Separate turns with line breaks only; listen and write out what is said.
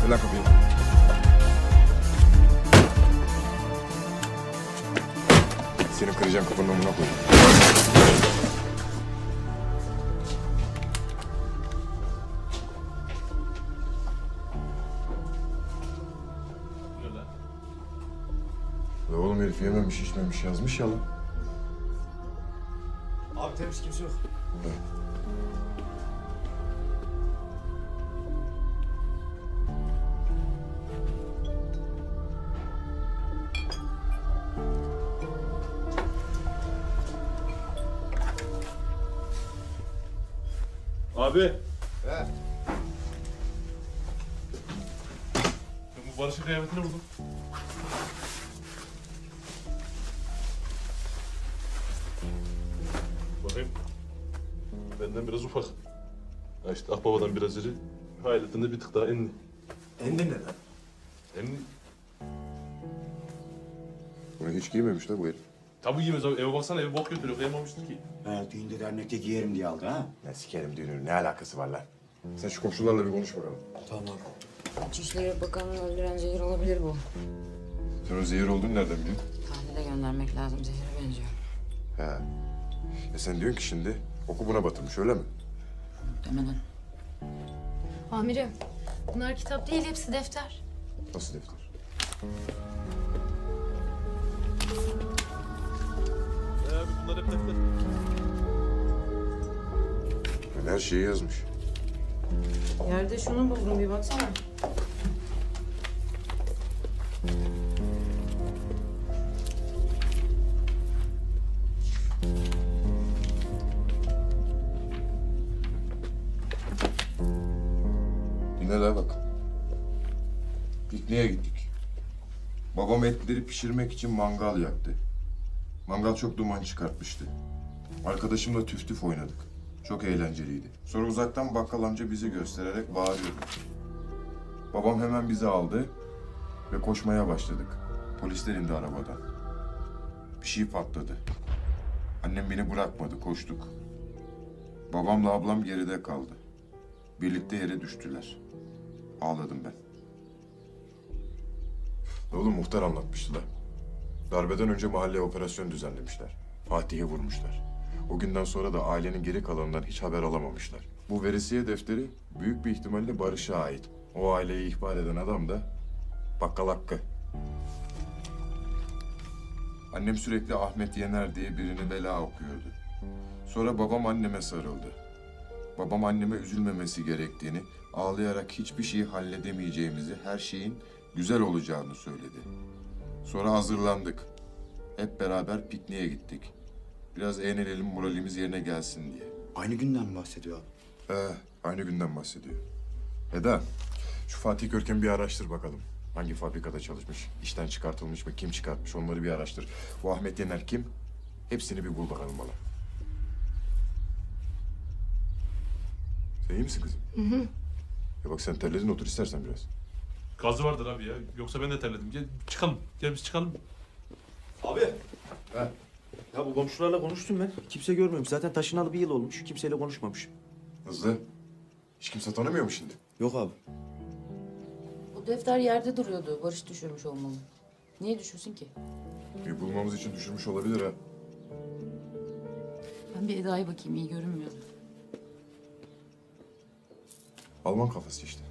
Aç lan kapıyı. Senin kıracağın kapının önüne koy. Ya oğlum herif yememiş içmemiş yazmış ya lan.
Abi temiz, kimse yok.
Abi.
He.
Ben bu Barış'ın kıyafetini buldum. Bakayım. Benden biraz ufak. Ha işte Akbaba'dan biraz iri. Hayaletten de bir tık daha enli.
Endin ne lan?
Enli.
Bunu hiç giymemiş la bu herif.
Tabii giymez abi. Eve baksana evi bok götürüyor. Kıyamamıştır ki.
Ha, düğünde dernekte giyerim diye aldı ha.
Ya sikerim düğünün ne alakası var lan? Sen şu komşularla bir konuş bakalım.
Tamam.
İçişleri Bakanı'nı öldüren zehir olabilir bu.
Sen o zehir olduğunu nereden biliyorsun?
Tahlile göndermek lazım. Zehire benziyor.
He. Sen diyorsun ki şimdi oku buna batırmış öyle mi?
Muhtemelen.
Amirim, bunlar kitap değil, hepsi defter.
Nasıl defter?
Abi bunlar hep defter.
Yani her şeyi yazmış.
Yerde şunu buldum, bir baksana.
Dinle la bak. Pikniğe gittik. Babam etleri pişirmek için mangal yaktı. Mangal çok duman çıkartmıştı. Arkadaşımla tüf tüf oynadık. Çok eğlenceliydi. Sonra uzaktan bakkal amca bizi göstererek bağırıyordu. Babam hemen bizi aldı ve koşmaya başladık. Polisler indi arabadan. Bir şey patladı. Annem beni bırakmadı, koştuk. Babamla ablam geride kaldı. Birlikte yere düştüler. Ağladım ben. Oğlum muhtar anlatmıştı da. Darbeden önce mahalleye operasyon düzenlemişler. Fatih'i vurmuşlar. O günden sonra da ailenin geri kalanından hiç haber alamamışlar. Bu verisiye defteri büyük bir ihtimalle Barış'a ait. O aileyi ihbar eden adam da Bakkal Hakkı. Annem sürekli Ahmet Yener diye birini bela okuyordu. Sonra babam anneme sarıldı. Babam anneme üzülmemesi gerektiğini, ağlayarak hiçbir şeyi halledemeyeceğimizi, her şeyin güzel olacağını söyledi. Sonra hazırlandık. Hep beraber pikniğe gittik. Biraz eğlenelim, moralimiz yerine gelsin diye.
Aynı günden mi bahsediyor abi?
Aynı günden bahsediyor. Eda, şu Fatih Görkem'i bir araştır bakalım. Hangi fabrikada çalışmış, işten çıkartılmış mı, kim çıkartmış onları bir araştır. Bu Ahmet Yener kim? Hepsini bir bul bakalım bana. Sen iyi misin kızım? Hı hı. Ya bak sen terledin, otur istersen biraz.
Gazı vardır abi ya. Yoksa ben de terledim. Gel çıkalım. Gel biz çıkalım.
Abi.
He.
Ya bu komşularla konuştum ben. Kimse görmemiş. Zaten taşınalı bir yıl olmuş. Kimseyle konuşmamış.
Hızlı. Hiç kimse tanımıyor mu şimdi?
Yok abi.
Bu defter yerde duruyordu. Barış düşürmüş olmalı. Niye düşürsün ki?
Bir bulmamız için düşürmüş olabilir ha.
Ben bir Eda'ya bakayım, iyi görünmüyor.
Alman kafası işte.